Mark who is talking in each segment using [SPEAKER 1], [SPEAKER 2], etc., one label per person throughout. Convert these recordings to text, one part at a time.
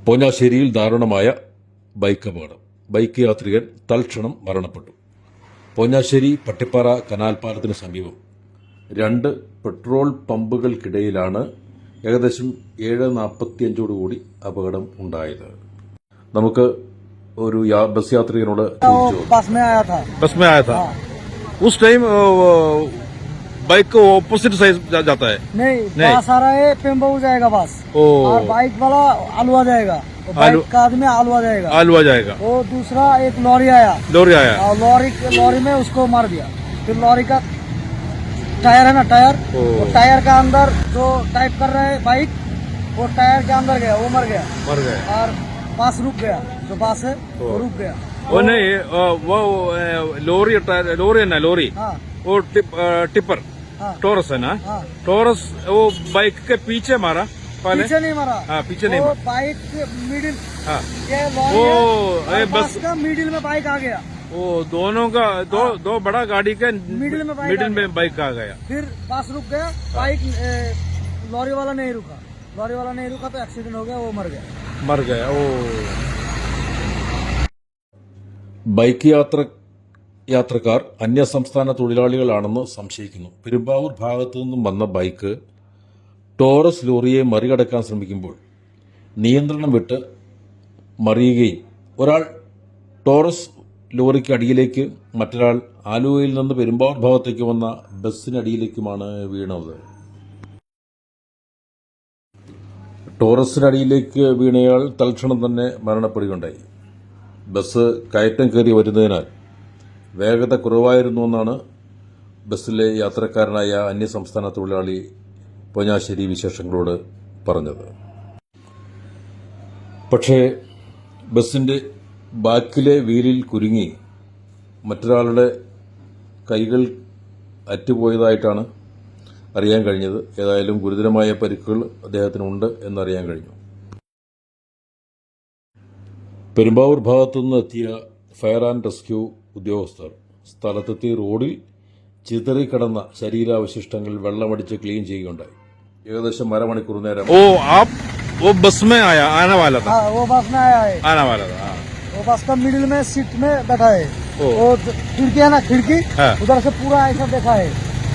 [SPEAKER 1] പോഞ്ഞാശ്ശേരിയിൽ ദാരുണമായ ബൈക്ക് അപകടം. ബൈക്ക് യാത്രികൻ തൽക്ഷണം മരണപ്പെട്ടു. പോഞ്ഞാശ്ശേരി പട്ടിപ്പാറ കനാൽ പാലത്തിന് സമീപം രണ്ട് പെട്രോൾ പമ്പുകൾക്കിടയിലാണ് ഏകദേശം 7:45 അപകടം ഉണ്ടായത്. നമുക്ക് ഒരു ബസ് യാത്രികനോട്
[SPEAKER 2] बस में आया था उस टाइम बाइक को ऑपोजिट साइड जाता है।
[SPEAKER 3] नहीं बस आ रहा है, पेम्बाऊ जाएगा बस, और बाइक वाला आलुआ जाएगा, बाइक का आदमी आलुआ जाएगा। वो दूसरा एक लॉरी आया और लॉरी में उसको मार दिया। फिर लॉरी का टायर है ना, टायर का अंदर जो टाइप कर रहा है बाइक, वो टायर के अंदर गया, वो मर गया। और बस रुक गया, जो बस है वो रुक गया।
[SPEAKER 2] वो नहीं वो लोरी है ना, लोरी वो टिपर टोरस है ना। टोरस वो बाइक के पीछे मारा, पहले
[SPEAKER 3] पीछे नहीं मारा।
[SPEAKER 2] पीछे नहीं मारा,
[SPEAKER 3] बाइक मिडिल,
[SPEAKER 2] वो
[SPEAKER 3] बस का मिडिल में बाइक आ गया।
[SPEAKER 2] वो दोनों का दो बड़ा गाड़ी के मिडिल में बाइक आ गया।
[SPEAKER 3] फिर बस रुक गया, बाइक लॉरी वाला नहीं रुका तो एक्सीडेंट हो गया, वो मर गया।
[SPEAKER 2] ओ
[SPEAKER 1] ബൈക്ക് യാത്രക്കാർ അന്യസംസ്ഥാന തൊഴിലാളികളാണെന്ന് സംശയിക്കുന്നു. പെരുമ്പാവൂർ ഭാഗത്തു നിന്നും വന്ന ബൈക്ക് ടോറസ് ലോറിയെ മറികടക്കാൻ ശ്രമിക്കുമ്പോൾ നിയന്ത്രണം വിട്ട് മറിയുകയും ഒരാൾ ടോറസ് ലോറിക്ക് അടിയിലേക്ക്, മറ്റൊരാൾ ആലുവയിൽ നിന്ന് പെരുമ്പാവൂർ ഭാഗത്തേക്ക് വന്ന ബസ്സിനടിയിലേക്കുമാണ് വീണത്. ടോറസിനടിയിലേക്ക് വീണയാൾ തൽക്ഷണം തന്നെ മരണപ്പെടുകയുണ്ടായി. ബസ് കയറ്റം കയറി വരുന്നതിനാൽ വേഗത കുറവായിരുന്നുവെന്നാണ് ബസ്സിലെ യാത്രക്കാരനായ അന്യസംസ്ഥാന തൊഴിലാളി പോഞ്ഞാശ്ശേരി വിശേഷങ്ങളോട് പറഞ്ഞത്. പക്ഷേ ബസ്സിന്റെ ബാക്കിലെ വീലിൽ കുരുങ്ങി മറ്റൊരാളുടെ കൈകൾ അറ്റുപോയതായിട്ടാണ് അറിയാൻ കഴിഞ്ഞത്. ഏതായാലും ഗുരുതരമായ പരിക്കുകൾ അദ്ദേഹത്തിനുണ്ട് എന്നറിയാൻ കഴിഞ്ഞു. പെരുമ്പാവൂർ ഭാഗത്തുനിന്ന് എത്തിയ ഫയർ ആൻഡ് റെസ്ക്യൂ ഉദ്യോഗസ്ഥർ സ്ഥലത്തെത്തി റോഡിൽ ചിതറിക്കിടന്ന ശരീരാവശിഷ്ടങ്ങൾ വെള്ളമടിച്ച് ക്ലീൻ ചെയ്യുകയുണ്ടായി. ഏകദേശം അരമണിക്കൂർ നേരം
[SPEAKER 2] वो बस में आने वाला था।
[SPEAKER 3] वो बस में आया है,
[SPEAKER 2] आने वाला था।
[SPEAKER 3] वो बस का मिडिल में सीट में बैठा है। वो खिड़की है ना, खिड़की उधर से पूरा ऐसा देखा है।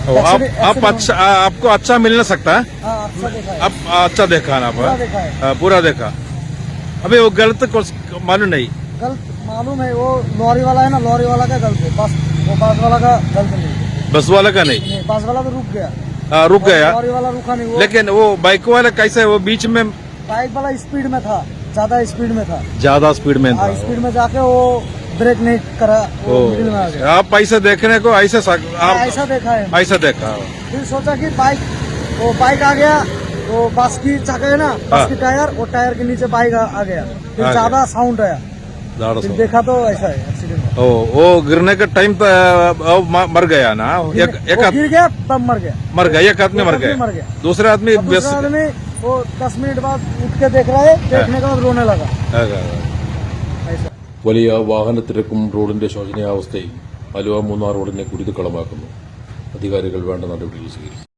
[SPEAKER 2] आपको अच्छा मिल ना सकता है।
[SPEAKER 3] अच्छा देखा है,
[SPEAKER 2] आप अच्छा देखा ना, पूरा देखा। अभी वो गलत मालूम नहीं,
[SPEAKER 3] गलत मालूम है। वो लॉरी वाला है ना, लॉरी वाला का गलत है, बस वो बस वाला का गलत नहीं।
[SPEAKER 2] बस वाला का नहीं,
[SPEAKER 3] बस वाला तो रुक गया, लॉरी वाला रुका नहीं।
[SPEAKER 2] लेकिन वो बाइक वाला कैसे, वो बीच में
[SPEAKER 3] बाइक वाला स्पीड में था, ज्यादा स्पीड में था,
[SPEAKER 2] स्पीड में
[SPEAKER 3] जाके वो ब्रेक नहीं करा, वो मिडिल में आ गया।
[SPEAKER 2] आप ऐसे देखने को ऐसा
[SPEAKER 3] देखा है,
[SPEAKER 2] ऐसा देखा।
[SPEAKER 3] फिर सोचा कि बाइक आ गया, वो बस की चाका है ना, बस की टायर, वो टायर के नीचे बाइक आ गया। फिर ज्यादा साउंड आया, फिर देखा तो ऐसा है एक्सीडेंट।
[SPEAKER 2] वो गिरने का टाइम मर गया ना, एक
[SPEAKER 3] गिर गया तब मर गया,
[SPEAKER 2] एक आदमी मर गया। दूसरा आदमी
[SPEAKER 3] वो 10 मिनट बाद उठ के देख रहा है, देखने के बाद रोने लगा। ऐसा
[SPEAKER 1] വലിയ വാഹനത്തിരക്കും റോഡിന്റെ ശോചനീയാവസ്ഥയും ആലുവ മൂന്നാർ റോഡിനെ കുരുതിക്കളമാക്കുന്നു. അധികാരികൾ വേണ്ട നടപടികൾ സ്വീകരിച്ചു.